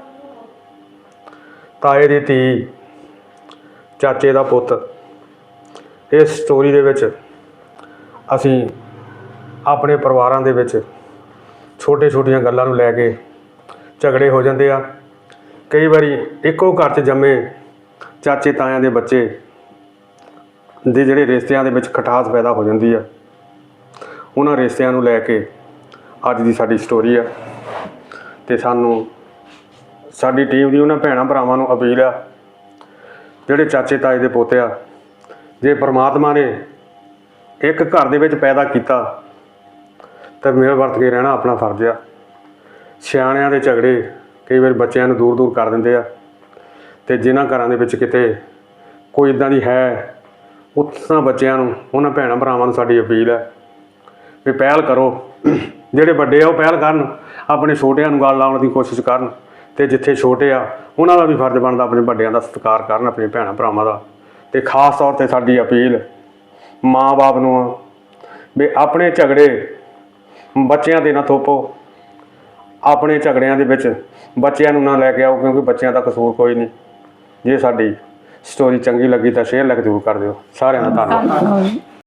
ਤਾਏ ਦੀ ਧੀ, ਚਾਚੇ ਦਾ ਪੁੱਤ। ਇਸ ਸਟੋਰੀ ਦੇ ਵਿੱਚ ਅਸੀਂ ਆਪਣੇ ਪਰਿਵਾਰਾਂ ਦੇ ਵਿੱਚ ਛੋਟੀਆਂ ਗੱਲਾਂ ਨੂੰ ਲੈ ਕੇ ਝਗੜੇ ਹੋ ਜਾਂਦੇ ਆ। ਕਈ ਵਾਰੀ ਇੱਕੋ ਘਰ 'ਚ ਜੰਮੇ ਚਾਚੇ ਤਾਇਆਂ ਦੇ ਬੱਚੇ ਦੇ ਜਿਹੜੇ ਰਿਸ਼ਤਿਆਂ ਦੇ ਵਿੱਚ ਖਟਾਸ ਪੈਦਾ ਹੋ ਜਾਂਦੀ ਆ। ਉਹਨਾਂ ਰਿਸ਼ਤਿਆਂ ਨੂੰ ਲੈ ਕੇ ਅੱਜ ਦੀ ਸਾਡੀ ਸਟੋਰੀ ਆ। ਤੇ ਸਾਨੂੰ ਸਾਡੀ ਟੀਮ ਦੀ ਉਹਨਾਂ ਭੈਣਾਂ ਭਰਾਵਾਂ ਨੂੰ ਅਪੀਲ ਆ, ਜਿਹੜੇ ਚਾਚੇ ਤਾਏ ਦੇ ਪੋਤੇ ਆ, ਜੇ ਪਰਮਾਤਮਾ ਨੇ ਇੱਕ ਘਰ ਦੇ ਵਿੱਚ ਪੈਦਾ ਕੀਤਾ ਤਾਂ ਮਿਲ ਵਰਤ ਕੇ ਰਹਿਣਾ ਆਪਣਾ ਫਰਜ਼ ਆ। ਸਿਆਣਿਆਂ ਦੇ ਝਗੜੇ ਕਈ ਵਾਰ ਬੱਚਿਆਂ ਨੂੰ ਦੂਰ ਕਰ ਦਿੰਦੇ ਆ। ਤੇ ਜਿਨ੍ਹਾਂ ਘਰਾਂ ਦੇ ਵਿੱਚ ਕਿਤੇ ਕੋਈ ਇੱਦਾਂ ਦੀ ਹੈ, ਉਹਨਾਂ ਬੱਚਿਆਂ ਨੂੰ, ਉਹਨਾਂ ਭੈਣਾਂ ਭਰਾਵਾਂ ਨੂੰ ਸਾਡੀ ਅਪੀਲ ਹੈ ਵੀ ਪਹਿਲ ਕਰੋ। ਜਿਹੜੇ ਵੱਡੇ ਆ ਉਹ ਪਹਿਲ ਕਰਨ, ਆਪਣੇ ਛੋਟਿਆਂ ਨੂੰ ਗੱਲ ਲਾਉਣ ਦੀ ਕੋਸ਼ਿਸ਼ ਕਰਨ। ਤੇ ਜਿੱਥੇ ਛੋਟੇ ਆ ਉਹਨਾਂ ਦਾ ਵੀ ਫਰਜ਼ ਬਣਦਾ ਆਪਣੇ ਵੱਡਿਆਂ ਦਾ ਸਤਿਕਾਰ ਕਰਨ, ਆਪਣੇ ਭੈਣਾਂ ਭਰਾਵਾਂ ਦਾ। ਤੇ ਖਾਸ ਤੌਰ 'ਤੇ ਸਾਡੀ ਅਪੀਲ ਮਾਂ-ਬਾਪ ਨੂੰ ਆ ਵੀ ਆਪਣੇ ਝਗੜੇ ਬੱਚਿਆਂ 'ਤੇ ਨਾ ਥੋਪੋ। ਆਪਣੇ ਝਗੜਿਆਂ ਦੇ ਵਿੱਚ ਬੱਚਿਆਂ ਨੂੰ ਨਾ ਲੈ ਕੇ ਆਓ, ਕਿਉਂਕਿ ਬੱਚਿਆਂ ਦਾ ਕਸੂਰ ਕੋਈ ਨਹੀਂ। ਜੇ ਸਾਡੀ ਸਟੋਰੀ ਚੰਗੀ ਲੱਗੀ ਤਾਂ ਸ਼ੇਅਰ ਜ਼ਰੂਰ ਕਰ ਦਿਓ। ਸਾਰਿਆਂ ਦਾ ਧੰਨਵਾਦ।